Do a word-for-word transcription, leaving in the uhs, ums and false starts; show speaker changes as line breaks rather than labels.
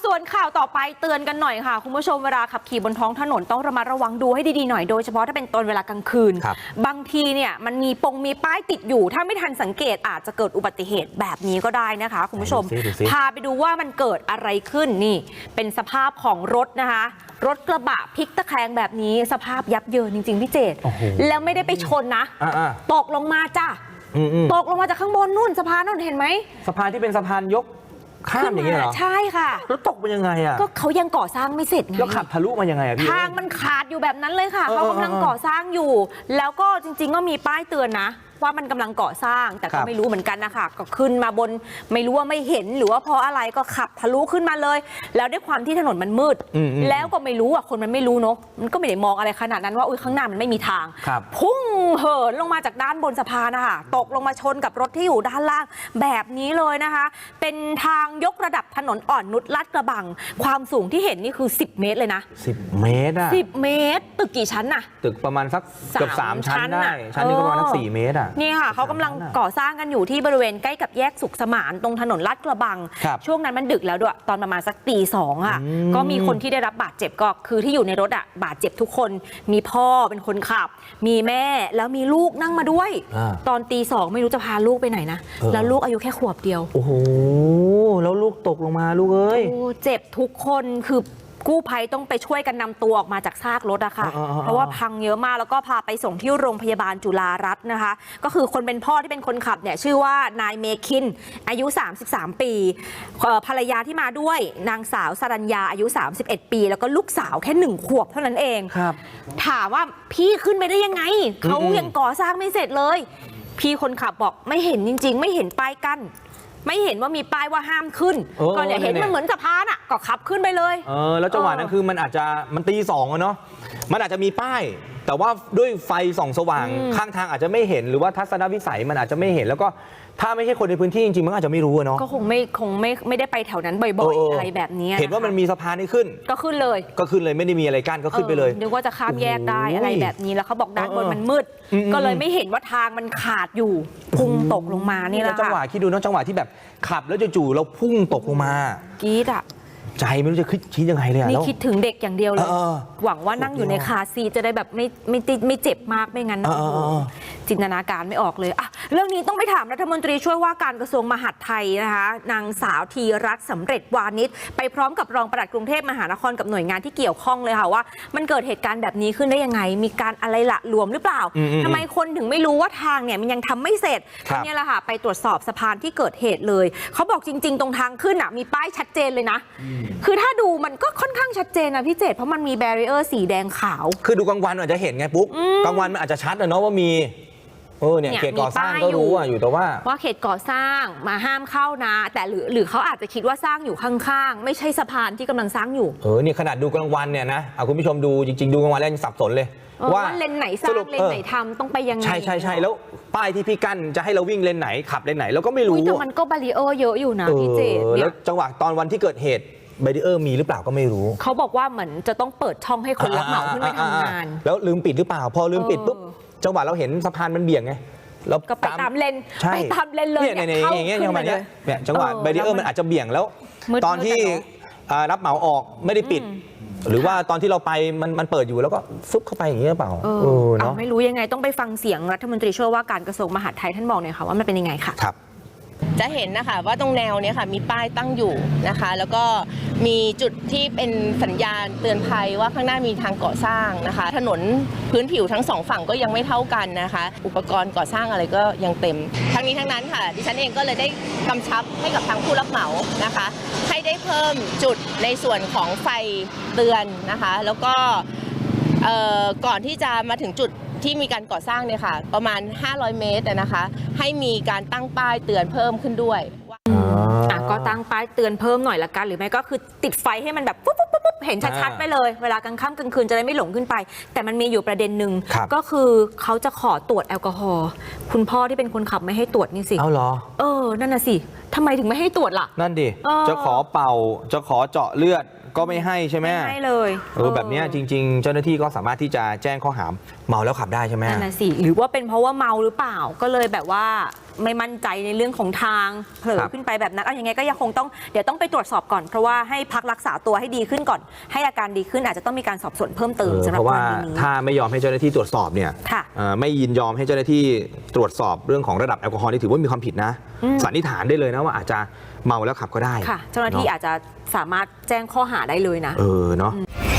ส่วนข่าวต่อไปเตือนกันหน่อยค่ะคุณผู้ชมเวลาขับขี่บนท้องถนนต้องระมัดระวังดูให้ดีๆหน่อยโดยเฉพาะถ้าเป็นตอนเวลากลางคืนบางทีเนี่ยมันมีปงมีป้ายติดอยู่ถ้าไม่ทันสังเกตอาจจะเกิดอุบัติเหตุแบบนี้ก็ได้นะคะคุณผู้ชมพาไปดูว่ามันเกิดอะไรขึ้นนี่เป็นสภาพของรถนะคะรถกระบะพลิกตะแคงแบบนี้สภาพยับเยินจริงๆพี่เจตแล้วไม่ได้ไปชนนะตกลงมาจ้ะตกลงมาจากข้างบนนู่นสะพานนู่นเห็นไหม
สะพานที่เป็นสะพานยกข้ามอย่างเงี้ยเหรอ
ใช่ค่ะ
แล้วตกเป็นยังไงอ่ะ
ก็เขายังก่อสร้างไม่เสร็จไง
แล้วขับทะลุมายังไงอ่ะพี่
ทางมันขาดอยู่แบบนั้นเลยค่ะเขากำลังก่อสร้างอยู่แล้วก็จริงๆก็มีป้ายเตือนนะว่ามันกำลังก่อสร้างแต่ก็ไม่รู้เหมือนกันนะคะก็ขึ้นมาบนไม่รู้ว่าไม่เห็นหรือว่าเพราะอะไรก็ขับทะลุขึ้นมาเลยแล้วด้วยความที่ถนนมันมืดแล้วก็ไม่รู้อ่ะคนมันไม่รู้เนาะมันก็ไม่ได้มองอะไรขนาดนั้นว่าอุ้ยข้างหน้ามันไม่มีทางพุ่งเหินลงมาจากด้านบนสะพานนะคะตกลงมาชนกับรถที่อยู่ด้านล่างแบบนี้เลยนะคะเป็นทางยกระดับถนนอ่อนนุชลาดกระบังความสูงที่เห็นนี่คือสิบเมตรเลยนะ
สิบเมตรอ่ะ
สิบเมตรตึกกี่ชั้นน่ะ
ตึกประมาณสักเกือบสามชั้นได้ชั้นนี้ก็ประมาณสักสี่เมตรอ่ะ
นี่ค่ะเขากำลังก่อสร้างกันอยู่ที่บริเวณใกล้กับแยกสุขสมานตรงถนนลาดกระบังช่วงนั้นมันดึกแล้วด้วยตอนประมาณสักตีสองค่ะก็มีคนที่ได้รับบาดเจ็บก็คือที่อยู่ในรถอ่ะบาดเจ็บทุกคนมีพ่อเป็นคนขับมีแม่แล้วมีลูกนั่งมาด้วยตอนตีสองไม่รู้จะพาลูกไปไหนนะแล้วลูกอายุแค่ขวบเดียว
โอ้โหแล้วลูกตกลงมาลูกเอ้ย
โอ้เจ็บทุกคนคือกู้ภัยต้องไปช่วยกันนำตัวออกมาจากซากรถอะค่ะเพราะว่าพังเยอะมากแล้วก็พาไปส่งที่โรงพยาบาลจุฬารัตน์นะคะก็คือคนเป็นพ่อที่เป็นคนขับเนี่ยชื่อว่านายเมคินอายุสามสิบสามปีภรรยาที่มาด้วยนางสาวสรัญญาอายุสามสิบเอ็ดปีแล้วก็ลูกสาวแค่หนึ่งขวบเท่านั้นเองถามว่าพี่ขึ้นไปได้ยังไงเขายังก่อสร้างไม่เสร็จเลยพี่คนขับบอกไม่เห็นจริงๆไม่เห็นป้ายกั้นไม่เห็นว่ามีป้ายว่าห้ามขึ้นก็เนี่ยเห็นมันเหมือนสะพานอ่ะก็ขับขึ้นไปเลย
เออแล้วจังหวะนั้นคือมันอาจจะมันตีสองอะเนาะมันอาจจะมีป้ายแต่ว่าด้วยไฟส่องสว่างข้างทางอาจจะไม่เห็นหรือว่าทัศนวิสัยมันอาจจะไม่เห็นแล้วก็ถ้าไม่ใช่คนในพื้นที่จริงๆมันอาจจะไม่รู้เนาะ
ก็คงไม่คงไม่ไม่ได้ไปแถวนั้นบ่อยๆอะไรแบบนี้
เห็นว่ามันมีสะพานให้ขึ้น
ก็ขึ้นเลย
ก็ขึ้นเลยไม่ได้มีอะไรกั้นก็ขึ้นไปเลย
นึกว่าจะข้ามแยกได้อะไรแบบนี้แล้วเขาบอกด้านบนมันมืดก็เลยไม่เห็นว่าทางมันขาดอยู่พุ่งตกลงมานี่แหละ
จังหวะคิดดูนะจังหวะที่แบบขับแล้วจู่ๆเราพุ่งตกลงมาก
รี๊ดอ่ะ
ใจไม่รู้จะคิดยังไงเลย
นี่คิดถึงเด็กอย่างเดียวเลยหวังว่านั่งอยู่ในคาร์ซีจะได้แบบไม่ไม่ติดไม่เจ็บมากไม่งั้นจินตนาการไม่ออกเลยอ่ะเรื่องนี้ต้องไปถามรัฐมนตรีช่วยว่าการกระทรวงมหาดไทยนะคะนางสาวธีรัตน์สำเร็จวานิชไปพร้อมกับรองปลัดกรุงเทพมหานครกับหน่วยงานที่เกี่ยวข้องเลยค่ะว่ามันเกิดเหตุการณ์แบบนี้ขึ้นได้ยังไงมีการอะไรละหลวมหรือเปล่าทำไมคนถึงไม่รู้ว่าทางเนี่ยมันยังทำไม่เสร็จนี่แหละค่ะไปตรวจสอบสะพานที่เกิดเหตุเลยเขาบอกจริงๆตรงทางขึ้นอ่ะมีป้ายชัดเจนเลยนะคือถ้าดูมันก็ค่อนข้างชัดเจนนะพี่เจตเพราะมันมีแบรีเออร์สีแดงขาว
คือดูกลางวันอาจจะเห็นไงปุ๊บกลางวันมันอาจจะชัดนะเนาะว่ามีเออเนี่ยเขตก่อสร้างก็รู้อยู่แต่ว่า
ว่าเขตก่อสร้างมาห้ามเข้านะแต่หรือหรือเขาอาจจะคิดว่าสร้างอยู่ข้างๆไม่ใช่สะพานที่กำลังสร้างอยู่
เออเนี่ยขนาดดูกลางวันเนี่ยนะเอาคุณผู้ชมดูจริงๆดูกลางวันแล้วยังสับสนเลย
ว่าเลนไหนสร้างเลนไหนทำต้องไปยังไง
ใช่ใช่ใช่แล้วป้ายที่พี่กั้นจะให้เราวิ่งเลนไหนขับเลนไหนเราก็ไม่รู้
แต่มันก็บารีเออร์เยอะอยู่นะพี่เจต
แล้วจังหวะตอนวันที่เกิดเหตุแบรีเออร์มีหรือเปล่าก็ไม่รู้
เขาบอกว่าเหมือนจะต้องเปิดช่องให้คนรับเหมาขึ้นไปทำงาน
แล้วลืมปิดหรือเปล่าพอลืมปิดปุ๊บจังหวะเราเห็นสะพานมันเบี่ยงไง
แล้วก็ไปตามเลนไปตามเลนเลย
เนี่ยอย่างเงี้ยจังหวะเนี้ยเนี่ยจังหวะแบรีเออร์มันอาจจะเบี่ยงแล้วตอนที่รับเหมาออกไม่ได้ปิดหรือว่าตอนที่เราไปมันมันเปิดอยู่แล้วก็ฟึบเข้าไปอย่างเงี้ยเปล่า
เออเนาะไม่รู้ยังไงต้องไปฟังเสียงรัฐมนตรีช่วยว่าการกระทรวงมหาดไทยท่านบอกหน่อยค่ะว่ามันเป็นยังไงค่ะ
ครับ
จะเห็นนะคะว่าตรงแนวนี้ค่ะมีป้ายตั้งอยู่นะคะแล้วก็มีจุดที่เป็นสัญญาณเตือนภัยว่าข้างหน้ามีทางก่อสร้างนะคะถนนพื้นผิวทั้งสองฝั่งก็ยังไม่เท่ากันนะคะอุปกรณ์ก่อสร้างอะไรก็ยังเต็มทั้งนี้ทั้งนั้นค่ะดิฉันเองก็เลยได้กำชับให้กับทางผู้รับเหมานะคะให้ได้เพิ่มจุดในส่วนของไฟเตือนนะคะแล้วก็ก่อนที่จะมาถึงจุดที่มีการก่อสร้างเนี่ยค่ะประมาณห้าร้อยเมตรนะคะให้มีการตั้งป้ายเตือนเพิ่มขึ้นด้วย
อ่ะก็ตั้งป้ายเตือนเพิ่มหน่อยละกันหรือไม่ก็คือติดไฟให้มันแบบปุ๊บปุ๊บปุ๊บเห็นชัด
อ่า
ๆไปเลย เวลากลางค่ำกลางคืนจะได้ไม่หลงขึ้นไป แต่มันมีอยู่ประเด็นหนึ่ง
ครับ
ก็คือเขาจะขอตรวจแอลกอฮอล์คุณพ่อที่เป็นคนขับไม่ให้ตรวจนี่สิ
เอาเหรอ
เออนั่นน่ะสิทำไมถึงไม่ให้ตรวจล่ะ
นั่นดิ
เออ
จะขอเป่าจะขอเจาะเลือดก็ไม่ให้ใช่ไหม
ไม่ให้เลย
เออแบบเนี้ยจริง ๆ เจ้าหน้าที่ก็สามารถที่จะแจ้งข้อหาเมาแล้วขับได้ใช่ไหม
นั่นน่ะสิหรือว่าเป็นเพราะว่าเมาหรือเปล่าก็เลยแบบว่าไม่มั่นใจในเรื่องของทางเผลอ
ครับ
ขึ้นไปแบบนั้นเอายังไงก็ยังคงต้องเดี๋ยวต้องไปตรวจสอบก่อนเพราะว่าให้พักรักษาตัวให้ดีขึ้นก่อน ให้อาการดีขึ้นอาจจะต้องมีการสอบสวนเพิ่มเติม
เออ
สำห
เพ
รับ
ราะ
ก
ว่าร
ณีนี้
ถ้าไม่ยอมให้เจ้าหน้าที่ตรวจสอบเนี่ย
ค่ะ
เอ่อไม่ยินยอมให้เจ้าหน้าที่ตรวจสอบเรื่องของระดับแอลกอฮอล์นี่ถือว่ามีความผิดนะ
อืม
สันนิษฐานได้เลยนะว่าอาจจะเมาแล้วขับก็ได้
ค่ะ เจ้าหน้าที่
เนอะ
อาจจะสามารถแจ้งข้อหาได้เลยนะ
เออเนาะ
อืม